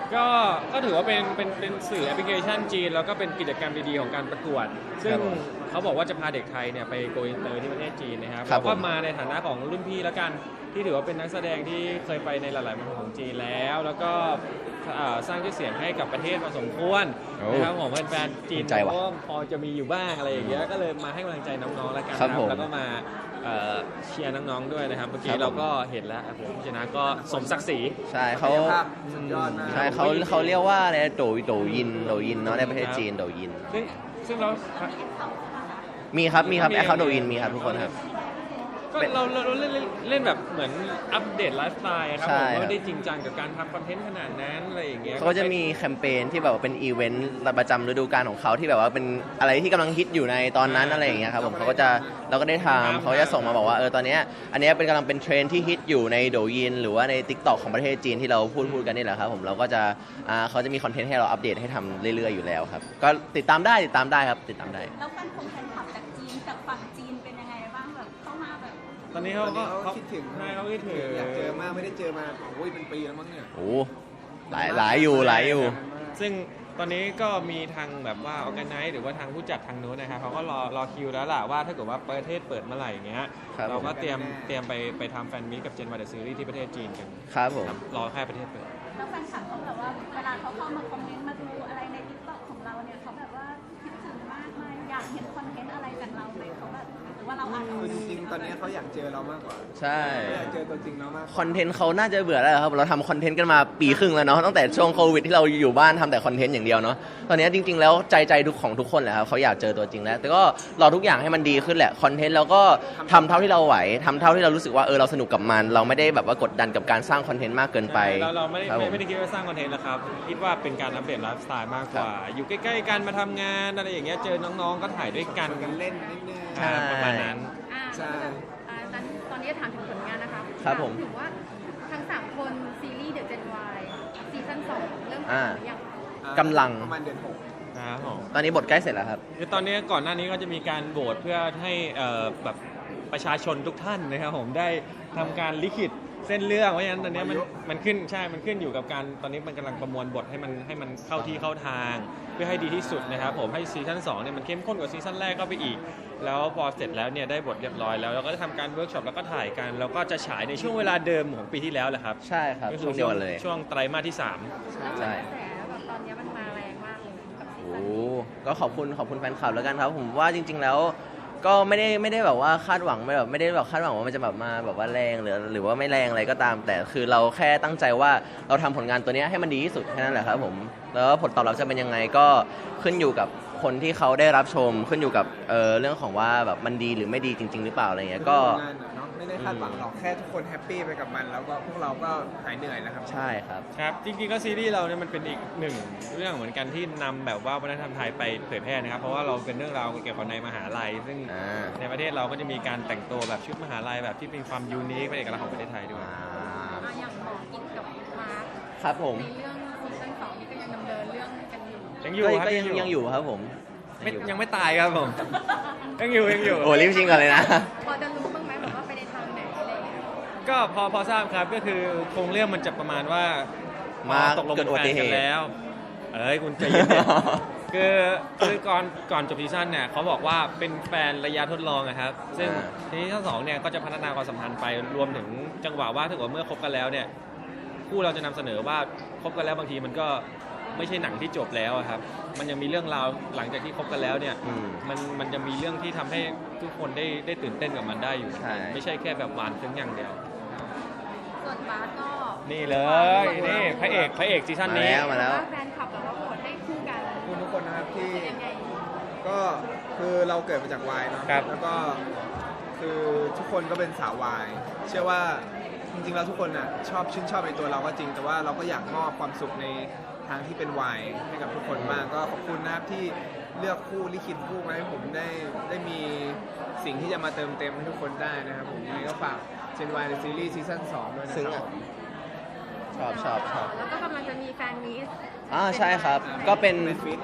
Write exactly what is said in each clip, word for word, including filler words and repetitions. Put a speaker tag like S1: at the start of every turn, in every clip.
S1: ก็ก็ถือว่าเป็นเป็นเป็นสื่อแอปพลิเคชันจีนแล้วก็เป็นกิจกรรมดีๆของการประกวดซึ่งเขาบอกว่าจะพาเด็กไทยเนี่ยไปโกอินเตอร์ที่ประเทศจีนนะครับเราก็มาในฐานะของรุ่นพี่แล้วกันที่ถือว่าเป็นนักแสดงที่เคยไปในหลายๆเมืองของจีนแล้วแล้วก็สร้างชื่อเสียงให้กับประเทศพอสมควรนะครับของแฟนๆจีนก็พอจะมีอยู่บ้างอะไรอย่างเงี้ยก็เลยมาให้กำลังใจน้องๆแล้วกันครับแล้วก็มาเชียร์น้องๆด้วยนะครับเมื่อกี้เราก็เห็นแล้วผมชนะก็สมศักดิ์ศรี
S2: ใช่เขาใช่เขาเขาเรียกว่าอะไรโดยโดยินโดยินเนาะในประเทศจีนโดยิน
S1: ซึ่งซึ่งเรา
S2: มีครับมีครับแอคเคาท์โดยินมีครับทุกคนครับ
S1: ก็เราเราเล่นเล่นแบบเหมือนอัปเดตไลฟ์สไตล์ครับผมไม่ได้จริงจังกับการทำคอนเทนต์ขนาดนั้นอะไรอย่างเงี้ย
S2: เขาจะมีแคมเปญที่แบบว่าเป็นอีเวนต์ประจำฤดูกาลของเขาที่แบบว่าเป็นอะไรที่กำลังฮิตอยู่ในตอนนั้นอะไรอย่างเงี้ยครับผมเขาก็จะเราก็ได้ทำเขาจะส่งมาบอกว่าเออตอนนี้อันนี้เป็นกำลังเป็นเทรนที่ฮิตอยู่ในโดยินหรือว่าใน ติ๊กต็อก ของประเทศจีนที่เราพูดพูดกันนี่แหละครับผมเราก็จะอ่าเขาจะมีคอนเทนต์ให้เราอัปเดตให้ทำเรื่อยๆอยู่แล้วครับก็ติดตามได้ติดตามได้ครับติดตามได้
S3: แล้วแฟนคงแฟนคลับจากจีนจากฝั่งจีนเป็นยังไงบ้างแบบเข้ามาแบบ
S1: ตอนนี้เขาก็
S4: เขาคิดถึง
S1: ใช่เขาคิดถึง
S4: อยากเจอมากไม่ได้เจอมาโอ้ยเป็นปีแล้วมั้งเนี่ย
S2: โอ้หลายหลายอยู่หลายอยู่
S1: ซึ่งตอนนี้ก็มีทางแบบว่าออร์แกไนซ์หรือว่าทางผู้จัดทางนู้นนะครับเขาก็รอรอคิวแล้วล่ะว่าถ้าเกิดว่าประเทศเปิดเมื่อไหร่อย่างเงี้ยเราก็เตรียมเตรียมไปไปทำแฟนมีตกับเจนวายเดอะซีรีส์ที่ประเทศจีนกัน
S2: ครับผม
S1: รอแค่ประเทศเปิด
S3: แล้วแฟนคลับเขาแบบว่าเวลาเขาเข้ามาคอมเมนต์มาดูอะไรในติ๊กต็อกของเราเนี่ยเขาแบบว่าคิดถึงมากไหมอยากเห็นคอนเทนต์อะไรจากเราไหมเขาแบบหรือว่าเราอ่าน
S4: คือจริงๆตอนนี้เขาอยากเจอเรามากกว่า
S2: ใช่
S4: อยากเจอตัวจริงเรามาก
S2: คอนเทนต์เขาน่าจะเบื่อแล้วครับเราทำคอนเทนต์กันมาปีครึ่งแล้วเนาะตั้งแต่ช่วงโควิดที่เราอยู่บ้านทำแต่คอนเทนต์อย่างเดียวเนาะตอนนี้จริงๆแล้วใจใจทุกของทุกคนแหละครับเขาอยากเจอตัวจริงแล้วแต่ก็รอทุกอย่างให้มันดีขึ้นแหละคอนเทนต์เราก็ทำเท่าที่เราไหวทำเท่าที่เรารู้สึกว่าเออเราสนุกกับมันเราไม่ได้แบบว่ากดดันกับการสร้างคอนเทนต์มากเกินไป
S1: เราเราไม่ได้ไม่ได้คิดว่าสร้างคอนเทนต์นะครับคิดว่าเป็นการอัปเดตไลฟ์สไตล์มากกว่าอยู่ใกล้ๆกันมาทำงานอะไรอย่างเงี้ยเจอน้องๆก็ถ่ายด้วยกัน
S4: กันเล่นนิดนึง
S1: ประมาณนั้น
S3: ใช่ตอนนี้ถามถึงผลงานนะคะ
S2: ครับผม
S3: ถึงว่าทั้งสามคนซีรีส์เดอะเจนวายซีซั่นสองเริ่มถ่ายหรือยัง
S2: กำลัง
S4: ประมาณเดือนหก
S2: ตอนนี้บทใกล้เสร็จแล้วครับ
S1: คือตอนนี้ก่อนหน้านี้ก็จะมีการโหวตเพื่อให้แบบประชาชนทุกท่านนะครับผมได้ทำการลิขิตเส้นเรื่องเพราะฉะนั้นตอนนี้มันมันขึ้นใช่มันขึ้นอยู่กับการตอนนี้มันกำลังประมวลบทให้มันให้มันเข้าที่เข้าทางเพื่อให้ดีที่สุดนะครับผมให้ซีซั่นสองเนี่ยมันเข้มข้นกว่าซีซั่นแรกก็ไปอีกแล้วพอเสร็จแล้วเนี่ยได้บทเรียบร้อยแล้วเราก็จะทำการเวิร์กช็อปแล้วก็ถ่ายกันแล้วก็จะฉายในช่วงเวลาเดิมของปีที่แล้วแหละครับ
S2: ใช่ครับช่วงเดียวเลย
S1: ช่วงไตรมาสที่สาม
S3: ใช่แบบตอนนี้มันมาแรงมากเลยกับซีซั่น
S2: โอ้ก็ขอบคุณขอบคุณแฟนคลับแล้วกันครับผมว่าจริงๆแล้วก็ไม่ได้ไม่ได้แบบว่าคาดหวังไม่แบบไม่ได้แบบคาดหวังว่ามันจะแบบมาแบบว่าแรงหรือหรือว่าไม่แรงอะไรก็ตามแต่คือเราแค่ตั้งใจว่าเราทำผลงานตัวนี้ให้มันดีที่สุดแค่นั้นแหละครับผมแล้วผลตอบรับจะเป็นยังไงก็ขึ้นอยู่กับคนที่เขาได้รับชมขึ้นอยู่กับเอ่อเรื่องของว่าแบบมันดีหรือไม่ดีจริงๆหรือเปล่าอะไรเงี้ยก็
S4: ไม่ได้คาดหวังหรอกแค่ทุกคนแฮปปี้ไปกับมันแล้วก็พวกเราก็หายเหนื่อยแล้วครับ
S2: ใช่ครับ
S1: ครับจริงๆก็ซีรีส์เราเนี่ยมันเป็นอีกหนึ่งเรื่องเหมือนกันที่นำแบบว่าวัฒนธรรมไทยไปเผยแพร่นะครับเพราะว่าเราเป็นเรื่องราวเกี่ยวกับในมหาลัยซึ่งในประเทศเราก็จะมีการแต่งตัวแบบชุดมหาลัยแบบที่เป็นความยูนิคเป็นเอกลักษณ์ของประเทศไทยด้วย
S3: อย่างหมอกินกับมาร์ค
S2: ครับผม
S3: ในเรื่องซีซั่นสองนี่ก็ยังดำเนินเรื่องกันอยู่
S1: ยังอยู่
S2: ก็ยังยังอยู่ครับผม
S1: ยังไม่ตายครับผมยังอยู่ยังอยู่
S2: โอ้รีบชิงก่อนเลยนะ
S3: พอจะรู้บ้างไหมแบบว่าไปในทางไหนอะไรเงี้ย
S1: ก็พอพอทราบครับก็คือโครงเรื่องมันจะประมาณว่า
S2: มา
S1: ตกลง
S2: เป็นแฟน
S1: กันแล้วเอ้ยคุณใจเย็นคือคือก่อนก่อนจบซีซั่นเนี่ยเขาบอกว่าเป็นแฟนระยะทดลองนะครับซึ่งซีซั่นสองเนี่ยก็จะพัฒนาความสัมพันธ์ไปรวมถึงจังหวะว่าถ้าเกิดเมื่อคบกันแล้วเนี่ยคู่เราจะนำเสนอว่าคบกันแล้วบางทีมันก็ไม่ใช่หนังที่จบแล้วครับมันยังมีเรื่องราวหลังจากที่คบกันแล้วเนี่ยมันมันจะมีเรื่องที่ทำให้ทุกคนได้ได้ตื่นเต้นกับมันได้อยู่ไม่ใช่แค่แบบหวานเพียงอย่างเดียว
S3: ส่วนบาสก็
S1: นี่เลยนี่พระเอกพระเอกซีซั่นนี้
S2: มาแล้ว
S3: แฟนคลับแบบว่าโหวตให้คู่กัน
S4: คุณทุกคนนะครับที่ก็คือเราเกิดมาจากวายเนาะแล้วก็คือทุกคนก็เป็นสาววายเชื่อว่าจริงๆแล้วทุกคนอ่ะชอบชื่นชอบในตัวเราก็จริงแต่ว่าเราก็อยากมอบความสุขในทางที่เป็นวายให้กับทุกคนมากก็ขอบคุณนะครับที่เลือกคู่ลิขิตคู่มาให้ผมได้ได้มีสิ่งที่จะมาเติมเต็มให้ทุกคนได้นะครับผมยังไงก็ฝากเจนวายในซีรีส์ซีซั่นสองด้วยนะครับ
S2: ชอบชอบชอบ
S3: แล้วก็กำลังจะมีแฟนมีต
S2: อ่าใช่ครับก็เป็น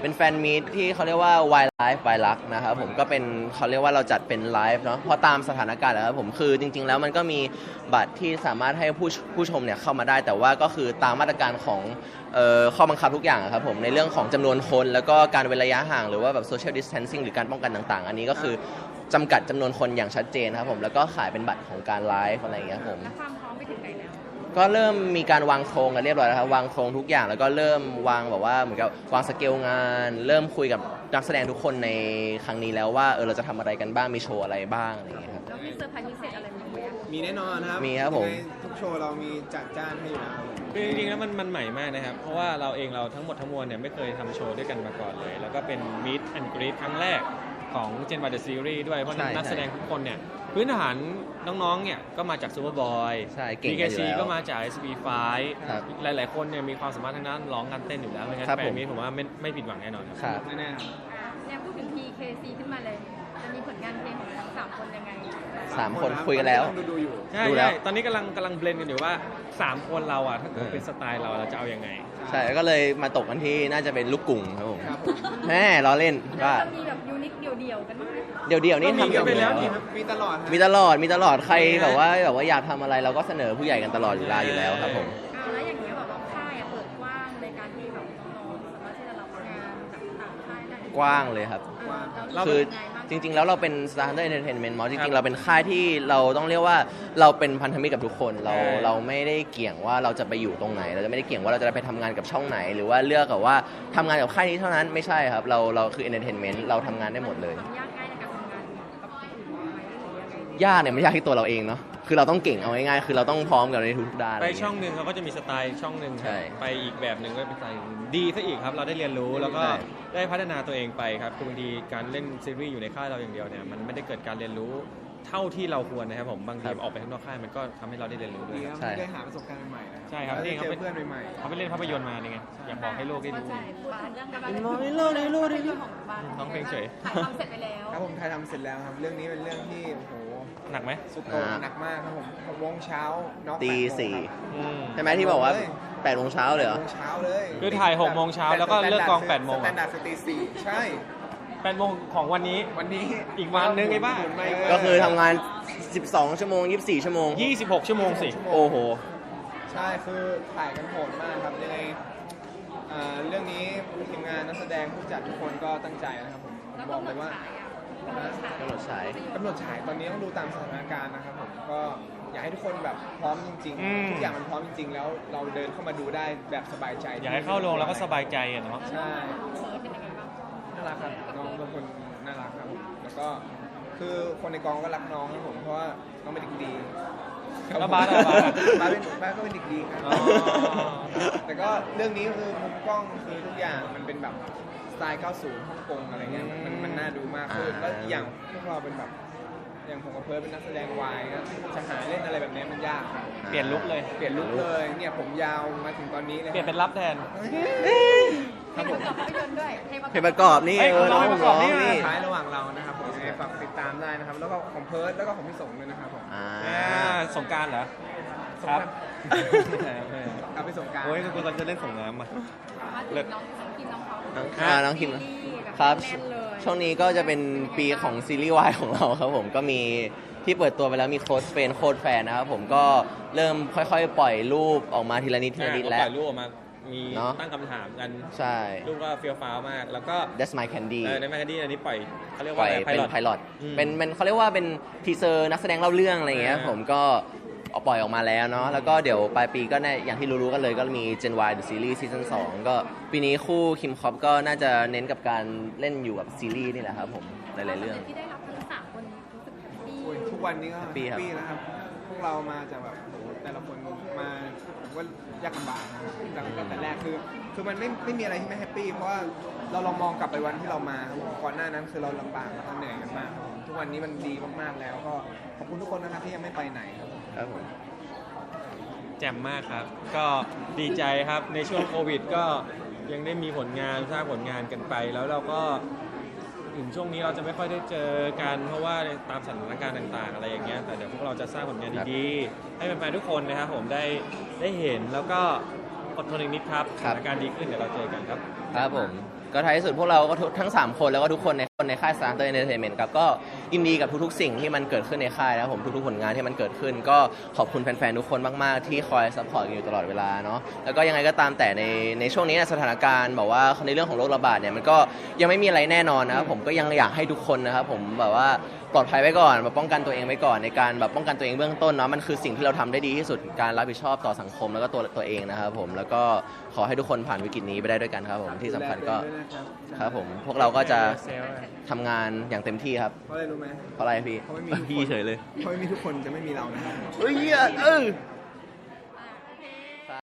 S2: เป็นแฟนมีตที่เขาเรียกว่า Wild Life by Luck นะครับผมก็เป็นเขาเรียกว่าเราจัดเป็นไลฟ์เนาะเพราะตามสถานการณ์แล้วครับผมคือจริงๆแล้วมันก็มีบัตรที่สามารถให้ผู้ผู้ชมเนี่ยเข้ามาได้แต่ว่าก็คือตามมาตรการของเอ่อข้อบังคับทุกอย่างครับผมในเรื่องของจำนวนคนแล้วก็การเว้นระยะห่างหรือว่าแบบ social distancing หรือการป้องกันต่างๆอันนี้ก็คือจำกัดจำนวนคนอย่างชัดเจนครับผมแล้วก็ขายเป็นบัตรของการไลฟ์อะไรอย่างเงี้ยครับผม
S3: แล้วความพร้อมไปถึงไหนแล้ว
S2: ก็เริ่มมีการวางโครงกันเรียบร้อยแล้วครับวางโครงทุกอย่างแล้วก็เริ่มวางแบบว่าเหมือนกับวางสเกลงาน เริ่มคุยกับนักแสดงทุกคนในครั้งนี้แล้วว่าเออเราจะทำอะไรกันบ้างมีโชว์อะไรบ้างอะไรอย่างเงี้ยครับ
S3: แล้วมีเซอร์ไพรส์พิเศษอะไรไหมอะ
S4: มีแน่นอนครับ
S2: มีครับผม
S4: ยังไงทุกโชว์เรามีจัดจ้านให้อยู่แล้ว
S1: คือจริงๆแล้วมันมันใหม่มากนะครับเพราะว่าเราเองเราทั้งหมดทั้งมวลเนี่ยไม่เคยทำโชว์ด้วยกันมาก่อนเลย แล้วก็เป็น Meet and Greet ครั้งแรกของ Gen Y The Series ด้วยเพราะ
S2: ใช่
S1: นักแสดงทุกคนเนี่ยพื้นฐานน้องๆเนี่ยก็มาจาก Superboy
S2: ใช่เก่ง
S1: บี
S2: กัน
S1: เค
S2: อยู่
S1: ซี
S2: แล้ว
S1: ก็มาจาก เอส บี ไฟว์
S2: ครับ
S1: หลายๆคนเนี่ยมีความสามารถทางด้านร้องการเต้นอยู่แล้วไม่งั้น
S2: ครับ
S1: แฟ
S2: ผ
S1: น
S2: ม
S1: มีผมว่าไม่ไม่ผิดหวังแน่นอนครับ
S2: ครับ
S4: แน่ๆครับ
S3: อ่ะเนี่ยพูดถึง พี เค ซี ขึ้นมาเลย จะมีผลงานเพลงของทั้งสามคนยังไง
S2: สามคนคุยกันแล้ว
S4: ดูดูๆอยู่
S1: ใช่
S2: ดูแล้
S1: ใช่
S2: ว
S1: ตอนนี้กำลังกำลังเบลนกันอยู่ว่าสามคนเราอ่ะถ้าเกิด
S2: เออ
S1: เป็นสไตล์เราเราจะเอายังไง
S2: ใช่แล้วก็เลยมาตกกันที่น่าจะเป็นลูกกุ่งครับผม
S4: ครับผม
S2: แม่ล้อเล่น
S3: แล้ว
S2: ว่า
S3: จะมีแบบยูนิคเดี่ยวๆกันบ้างไหม
S2: เดี๋ยวเดี๋ยวๆนี่
S1: ก็มี
S2: ทำ
S1: กันไปแล้ว
S2: อยู่
S1: นี่
S4: มีตลอดฮะ
S2: มีตลอดมีตลอดใครแบบว่าแบบว่าอยากทำอะไรเราก็เสนอผู้ใหญ่กันตลอดอยู่แล้วอยู่แล้วครับผม
S3: เอาแล้วอย่างเงี้ยแบบว่าค่ายอะเปิดกว้างในการที่แบบน้องๆสามารถที่จะรับงานจากต่างค่ายได้
S2: กว้างเลยครับ
S3: เรา
S2: คือ
S3: เป็นยังไงบ้าง
S2: จริง ๆ แล้วเราเป็น Standard Entertainment มอจ
S1: ครั
S2: ริง
S1: บ
S2: ๆ เราเป็นค่ายที่เราต้องเรียกว่าเราเป็นพันธมิตรกับทุกคน เรา
S1: ใช่
S2: เราไม่ได้เกี่ยงว่าเราจะไปอยู่ตรงไหน เราจะไม่ได้เกี่ยงว่าเราจะไปทำงานกับช่องไหน หรือว่าเลือกกับว่าทำงานกับค่ายนี้เท่านั้นไม่ใช่ครับ เราเราคือ Entertainment เราทำงานได้หมดเลย
S3: ความยากง่ายในการทำงานกับคนอื่นไหมหรือยังไง
S2: ยากเนี่ยไม่ยากที่ตัวเราเองเนาะคือเราต้องเก่งเอาง่ายๆคือเราต้องพร้อมกับในทุกๆด้าน
S1: ไปช่องหนึ่งเขาก็จะมีสไตล์ช่องหนึ่งครับ
S2: ใช่
S1: ไปอีกแบบหนึ่งก็เป็นสไตล์ดีซะอีกครับ เราได้เรียนรู้แล้วก็
S2: ใช่
S1: ได้พัฒนาตัวเองไปครับคือบางทีการเล่นซีรีส์อยู่ในค่ายเราอย่างเดียวเนี่ยมันไม่ได้เกิดการเรียนรู้เท่าที่เราควรนะครับผมบางทีออกไปข้างนอกค่ายมันก็ทำให้เราได้เรียนรู้ด้วย
S4: ดี
S1: ค
S4: ครับ รับ
S2: ใช่
S4: ได้หาประสบการณ์ใหม่ๆนะ
S1: ใช่ครับ
S4: ได้
S1: นี่เขา
S4: เจ
S1: เป็
S4: อน เพื่อนใหม่ๆ
S1: เขาไปเล่นภาพยนตร์มานี่ไงอยากบอกให้โลกได้รู้
S3: ใช่พูดถึงเรื่องการ
S2: มองในโลกในโลกในโลก
S3: ของบ้าน
S1: ร้องเพลงเฉย
S3: ถ่ายทำเสร็จไปแล้ว
S4: ครับผมถ่ายทำเสร็จแล้วครับ เรื่องนี้เป็นเรื่องที่โอ้โห
S1: หนักไหม
S4: สุดโต่งหนักมากครับผมหกโมงเช้าน็อก
S2: ตี
S4: แปดโมง
S2: สี่
S4: ครับ
S1: อืม
S2: ใช่ไหมที่บอกว่าแปดโมงเช้าเลยเหรอ
S4: หกโมงเช้าเลย
S1: คือถ่ายหกโมงเช้าแล้วก็เลิกกองแปดโมง
S4: สแตนดาร์ดสตีสี่ใช่
S1: แปดโมงของวันนี้
S4: วันนี้
S1: อีกวันนึงไอ้บ้า
S4: หมุนไป
S2: ก็คือทำงาน สิบสอง ชั่วโมง ยี่สิบสี่ ชั่วโมง
S1: ยี่สิบหกชั่วโมงสิ
S2: โอ้โห
S4: ใช่คือถ่ายกันโหดมากครับยังไงอ่าเรื่องนี้ทีมงานนักแสดงผู้จัดทุกคนก็ตั้งใจนะครับผม
S3: แล้ว
S4: บอก
S3: กำหน
S4: เล
S3: ด
S4: ยว่า
S3: ฉายอ่ะกำหนดฉาย
S2: กำหนดฉาย
S4: กำหนดฉายตอนนี้ต้องดูตามสถานการณ์นะครับผมก็อยากให้ทุกคนแบบพร้อมจริง
S1: อืม
S4: ๆทุกอย่างมันพร้อมจริง ๆ แล้วเราเดินเข้ามาดูได้แบบสบายใจ
S1: อยากให้เข้าโรงแล้วก็สบายใจอะเนาะ
S4: ใช่
S3: เฟิร์สเป็นยังไงบ้าง
S4: น่ารักครับน้องเป็นคนน่ารักครับผมแล้วก็คือคนในกองก็รักน้องครับผมเพราะว่าน้องเป็นเด็กดี
S1: แล้วบาสอะบาสอะ
S4: บาสเป็นบาสก็เป็นเด็กดีครับ
S1: อ๋อ
S4: แต่ก็เรื่องนี้คือมุมกล้องคือทุกอย่างมันเป็นแบบสไตล์ เก้าสิบ ฮ่องกงอะไรเงี้ยมันมันน่าดูมากขึ้น
S2: อ่า
S4: แล้วอีกอย่างพวกเราเป็นแบบอย่างผมกับเพิร์ดเป็นนักแสดงวายนะจะหาเล่นอะไรแบบนี้มันยากครับ
S1: เปลี่ยนลุคเลย
S4: เปลี่ยนลุคเลยเนี่ยผมยาวมาถึงตอนนี้เลย
S1: เปลี่ยนเป็นรับแทน
S3: ให้ประกอบภาพยนตร์ด้วยให้
S2: เพลงประกอบนี่
S1: เฮ้ย
S2: เออ
S1: น้
S2: น้
S1: อ
S2: อง ง
S1: ประก
S2: ร้
S1: อ
S2: อบ ง
S1: นี่
S2: นี่
S4: ท้ายระหว่างเรานะครับผมยังไงฝากติดตามได้นะครับ แล้วก็ของเพิร์ดแล้วก็ของพี่สงด้วยนะครับผม
S2: อ่า
S1: อ่าสงกรารเหรอ ครับ
S4: กลับไปส่งกราร
S1: โอ้ยกูกำลังจะเล่นสงน้ำอ่ะ
S3: มาถึงน้องน้องคิมน้องเขา
S2: น้องอ่าน้องคิม
S3: ซีรีส์แ
S2: ครับ
S3: แน่นเลย
S2: ช่วงนี้ก็จะเป็นปีของซีรีส์วายของเราครับผมก็มีที่เปิดตัวไปแล้วมีโค้ดเฟนโค้ดแฟนนะครับผมก็เริ่มค่อยๆ ปล่อยรูปออกมาทีละนิดทีละนิด
S1: ก็
S2: แล้
S1: ป
S2: ว
S1: ล่อยรูปออกมา มี
S2: เนอะ
S1: ตั้งคำถามกัน
S2: ใช่
S1: รูปก็เฟี้ยวฟ้าวมาก แล้วก็
S2: That's My Candy
S1: เออในแมกกาดีนอันนี้ปล่อยเขาเรียก
S2: ปล่
S1: ว่า
S2: อย
S1: อะไรไพ
S2: เป็น
S1: ลอต
S2: ไพลอต
S1: อืม
S2: เป็นเป็นเขาเรียกว่าเป็นทีเซอร์นักแสดงเล่าเรื่องอะไรอย่างเงี้ย
S1: อ่า
S2: ผมก็เอาปล่อยออกมาแล้วเนาะแล้วก็เดี๋ยวปลายปีก็แน่อย่างที่รู้ๆกันเลยก็มี Gen Y The Series Season สองก็ปีนี้คู่คิมคอปก็น่าจะเน้นกับการเล่นอยู่กับซีรีส์นี่แหละครับผมหลายๆเรื่อง
S3: ที่ได้รับทั้งสามคนรู้สึกแฮปปี้
S4: โอ้ยทุกวันนี้ก็
S2: แฮ
S4: แฮ
S2: ป
S4: ป
S2: ปี้
S4: ปี้
S2: ครับ
S4: นะครับ พวกเรามาจากแบบโอ้โหแต่ละคนมาผมว่ายากลำบากนะครับตั้งแต่แรกคือคือมันไม่ไม่มีอะไรที่ไม่แฮปปี้เพราะว่าเราลองมองกลับไปวันที่เรามาครับผมก่อนหน้านั้นคือเราลำบากแล้วก็เหนื่อยกันมากครับผมทุกวันนี้มันดีมากๆแล้วก็ขอบคุณทุกคนนะครับที่ยังไม่ไปไหนครับผม
S2: ครับผม
S1: แจ่มมากครับ ก็ดีใจครับในช่วงโควิดก็ยังได้มีผลงานสร้างผลงานกันไป แล้วเราก็ถึงช่วงนี้เราจะไม่ค่อยได้เจอกันเพราะว่าตามสถานการณ์ต่างๆ อะไรอย่างเงี้ยแต่เดี๋ยวพวกเราจะสร้างผลงานดีๆ ให้แฟนๆทุกคนนะครับผมได้ได้เห็นแล้วก็อดทนอีกนิดครับส
S2: ครับ
S1: ถานการณ์ดีขึ้นเดี๋ยวเราเจอกันครับ
S2: ครับผมก็ท้ายที่สุดพวกเราก็ทุกทั้งสามคนแล้วก็ทุกคนในคนในค่าย Starter Entertainment ครับก็ยินดีกับทุกๆสิ่งที่มันเกิดขึ้นในค่ายนะครับผมทุกๆผลงานที่มันเกิดขึ้น ก็ขอบคุณแฟนๆทุกคนมากๆที่คอยซัพพอร์ตกันอยู่ตลอดเวลาเนาะแล้วก็ยังไงก็ตามแต่ในในช่วงนี้สถานการณ์บอกว่าในเรื่องของโรคระบาดเนี่ยมันก็ยังไม่มีอะไรแน่นอนนะครับผมก็ยังอยากให้ทุกคนนะครับผมแบบว่าปลอดภัยไว้ก่อนแบบป้องกันตัวเองไว้ก่อนในการแบบป้องกันตัวเองเบื้องต้นเนาะมันคือสิ่งที่เราทำได้ดีที่สุดการรับผิดชอบต่อสังคมแล้วก็ตัวตัวเองนะครับผมแล้วก็ขอให้ทุกคนผ่านวิกฤตนี้ไปได้ด้วยกันครับผมที่สำคัญก็ครับผมพวกเราก็จะทำงานอย่างเต็มที่ครับ
S4: เพราะอะไรรู้ไหม
S2: เพราะอะไรพี่
S4: เพราะไม่มี
S2: พี่เฉยเลย
S4: เพราะไม่มีทุกคนจะไม่มีเรานะครับ
S2: เฮ้ยเออ